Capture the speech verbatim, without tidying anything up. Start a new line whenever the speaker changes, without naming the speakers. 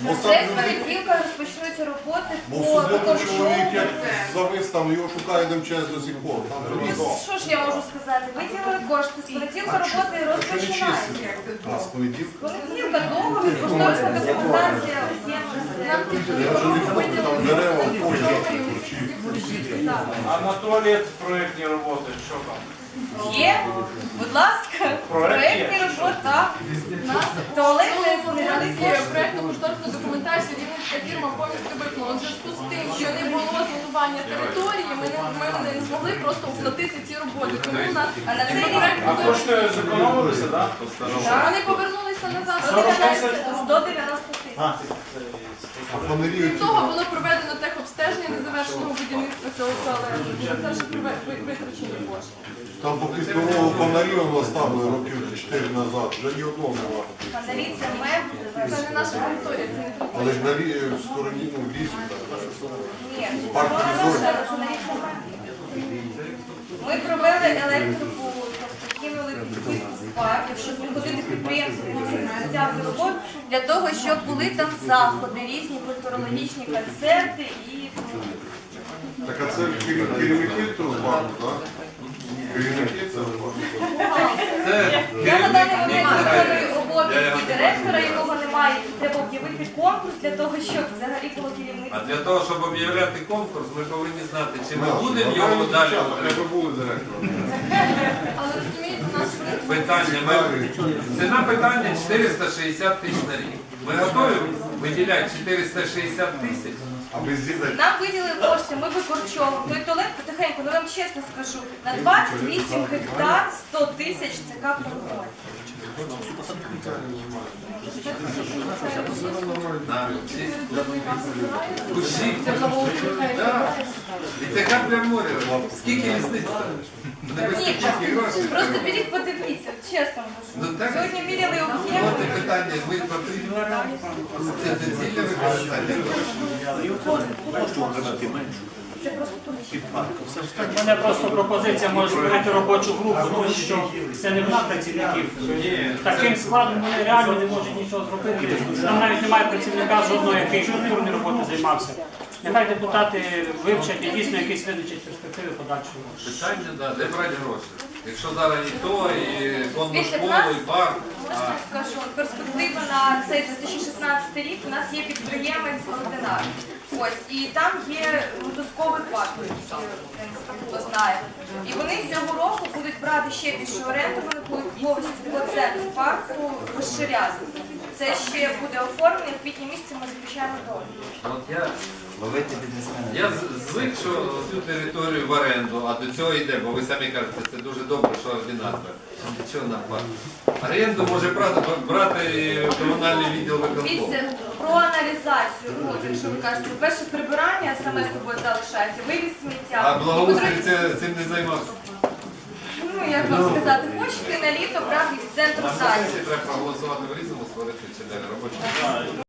Вже з понеділка розпочнуться роботи
Бо
по
в суботу
виконкому.
чоловік як завис там, його шукає МЧС до сих пор. Там
Ну,
треба.
що ж я можу сказати? Виділили кошти, з понеділка роботи розпочинаються.
А, з понеділка?
З понеділка договір, кошторисна документація, об'єм.
Там дерева, кожні ключі.
А на туалет проєктні роботи, що там?
Є, будь ласка, проєктні роботи, так. Туалетний функціонує.
Проєктну кошторисну документацію Рівненська фірма повністю виконала. У зв'язку з тим, що не було зонування території, ми не, ми не змогли просто оплатити ці роботи. Тому у нас
А на цей рік
А кошти зекономилися, так?
вони повернулися назад.
сто дев'яносто тисяч.
А фонарі
Крім
оці,
того, було проведено техобстеження незавершеного будівництва цього туалету. Це вже приве- ви- витрачені кошти.
там поки нового фонарі воно ставили років чотири назад, вже ні одного немає.
Фонарі це меблі.
Це не наша територія, це не територія.
Але ж на лі- в стороні, ну, в лісі так.
Ні,
Парк
фонарі
Різорт.
фонарі це меблі. Ми провели електрику, тобто кинули кількість парків, щоб не ходити підприємців, які взяти роботу, для того, щоб були там заходи, різні культурологічні концерти і
Так а це керів- керівники цього парку, так? Керівники цього парку.
я на даний момент виконую обов'язки директора, якого немає. Треба об'явити конкурс для того, щоб взагалі було керівництво.
А для того, щоб об'являти конкурс, ми повинні знати, чи ми будемо його далі.
Треба були директором.
Але розумієте, у нас в
Питання. Ми... Ціна питання чотириста шістдесят тисяч на рік. Ми готові виділяти чотириста шістдесят тисяч?
А без дітей.
Нам виділили кошти, ми викорчовуємо. Той туалет потихеньку, ну я вам чесно скажу, на двадцять вісім гектар сто тисяч це капля в море.
Кущі. І це капля в морі. Скільки лісниць там? Не
Ні,
вистачить грошей.
просто беріть, подивіться, чесно
Ну,
кажу.
так.
Сьогодні міряли
От
об'єм.
і питання, ми потрібно це доцільне використання.
У мене просто пропозиція може створити робочу групу, тому що це не вона працівників. Таким складом вони реально не можуть нічого зробити. Там навіть немає працівника жодного, який культурною роботою займався. Нехай депутати вивчать і дійсно якісь визначать перспективи подальшого.
Питання, да, де брати гроші? Якщо зараз і то, і конну
Дивіться, в
школу,
нас,
і парк.
можна скажу, перспектива на цей дві тисячі шістнадцятий рік, у нас є підприємець Ординар. Ось, і там є мотузковий парк, який, в принципі, хто знає. І вони цього року будуть брати ще більшу оренду, вони будуть повністю плацентр парку розширяти. Це ще буде оформлення, в квітні місяці ми заключаємо договір.
От я, я з- звик, що цю територію в оренду, а до цього йде, бо ви самі кажете, це дуже добре, що ординатор. До чого нам платить? Оренду може брати, брати комунальний відділ виконкому.
Дивіться, про аналізацію, от, якщо ви кажете, перше прибирання саме собою залишається, вивіз сміття.
А благоустрій це- цим не займався.
Ну, як вам сказати, хочете на літо брати з центру
На
залі.
сесії треба проголосувати в різному, створити чи робочу.